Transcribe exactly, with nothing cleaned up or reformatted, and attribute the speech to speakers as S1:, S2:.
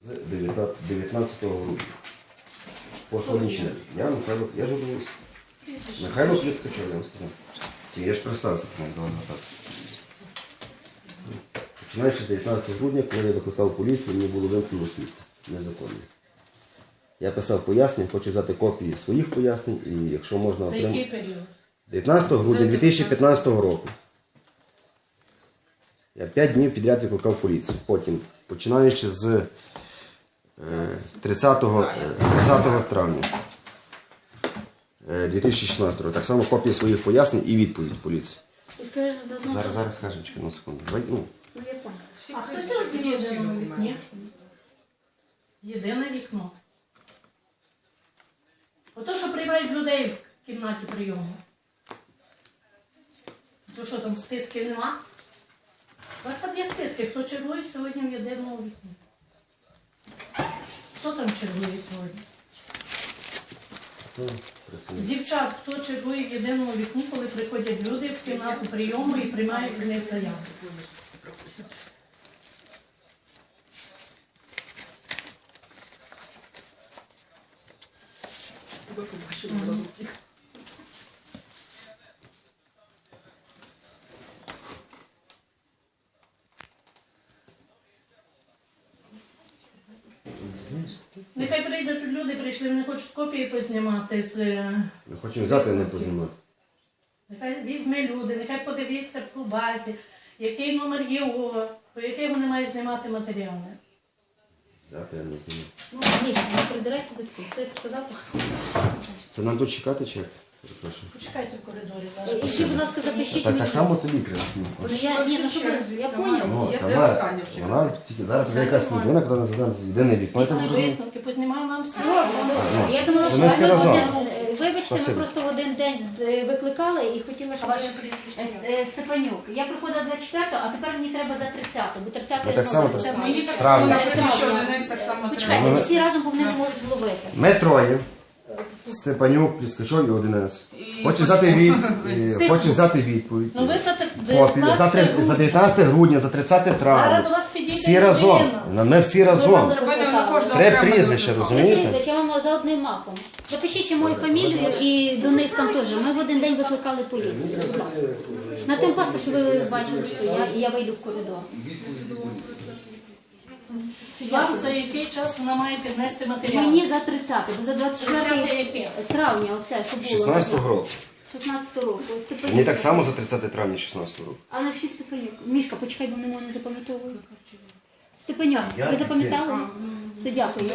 S1: з дев'ятнадцятого грудня. По сонячному. Я Михайло, я журналіст. Михайло Пліскачов, я вам сказав. Я ж представився, коли до вас звертатися. Починаючи з дев'ятнадцятого грудня, коли я викликав поліцію, мені було вимкнено світло. Незаконно. Я писав пояснення, хочу взяти копії своїх пояснень, і якщо можна
S2: За
S1: отримати...
S2: який період?
S1: дев'ятнадцятого грудня дві тисячі п'ятнадцятого року. Я п'ять днів підряд викликав поліцію. Потім, починаючи з тридцятого травня дві тисячі шістнадцятого року, так само копії своїх пояснень і відповідь поліції. Зараз, зараз скажемо, чекай на секунду. Давай, ну.
S2: А хто це в єдиному вікні? Єдине вікно. Ото, що приймають людей в кімнаті прийому. То що, там списків нема? У вас там є списки, хто чергує сьогодні в єдиному вікні? Хто там чергує сьогодні? З дівчат, хто чергує в єдиному вікні, коли приходять люди в кімнату прийому і приймають в них заяву? Нехай прийдуть люди, прийшли, вони хочуть копії познімати з...
S1: Ми хочемо взяти, а не познімати.
S2: Нехай візьме люди, нехай подивіться по базі, який номер є у, по який вони мають знімати матеріали.
S1: Взяти, а не знімати.
S3: Ну, ні, не придирайся до спів. Хто це сказав?
S1: Це нам тут чекати чи як? Перепрошую.
S2: Почекайте в коридорі зараз.
S3: І ще, будь ласка, запишіть
S1: Так,
S3: мені.
S1: так само тобі треба.
S3: Ну, я, ні, ну, щоб ви- я поняла.
S1: Ну,
S4: Я
S1: вона,
S4: останнє вчора.
S1: вона тільки зараз прийде якась людина, коли не задам єдине вікно. Я так
S2: Після
S1: зрозумів.
S2: висновки познімаємо вам все.
S3: Добре. Я думала, що
S1: Ми всі
S3: ми
S1: разом.
S3: один- е, вибачте,
S1: Спасибо.
S3: ми просто в один день е, викликали і хотіла,
S2: А
S3: щоб...
S2: ваше прізвище?
S3: Е, е, Степанюк. Я приходила двадцять четвертого, а тепер мені треба за тридцятого, бо тридцятого
S1: Ми
S3: я
S1: так
S3: знову
S1: само
S3: тридцятого.
S4: Мені так
S1: Травня.
S4: само написано, що Денис так само
S3: Почекайте,
S4: треба.
S3: ми всі разом, бо вони не можуть вловити.
S1: Ми троє. Степанюк, Пліскачов і одинець.
S4: І
S1: Хочу взяти, від...
S3: Секунду.
S1: е, хочу взяти відповідь.
S2: Ну ви за так
S1: Копію. За, три- за дев'ятнадцяте грудня, за тридцяте
S2: Зараз до
S1: травня.
S2: вас підійде
S1: Всі разом.
S2: людина.
S1: Ми всі разом. Треба прізвище,
S3: Три
S1: розумієте?
S3: прізвища, я вам за одним мапом. Запишіть ще мою фамілію і до них там теж. Ми в один день викликали поліцію. Будь ласка. На тим паску, що ви бачили, що я, і я вийду в коридор.
S2: Вам за який час вона має піднести матеріал?
S3: Мені за тридцяте, бо за двадцять
S2: тридцяте
S3: четверте
S2: яке?
S3: травня, оце, що було.
S1: шістнадцятого року.
S3: шістнадцятого року. Степанюк.
S1: Мені так само за тридцяте травня шістнадцятого року.
S3: Але всі Степанюк. Мішка, почекай, бо не можу не запам'ятовую. Степанюк,
S1: Я-
S3: ви запам'ятали? Все, дякую.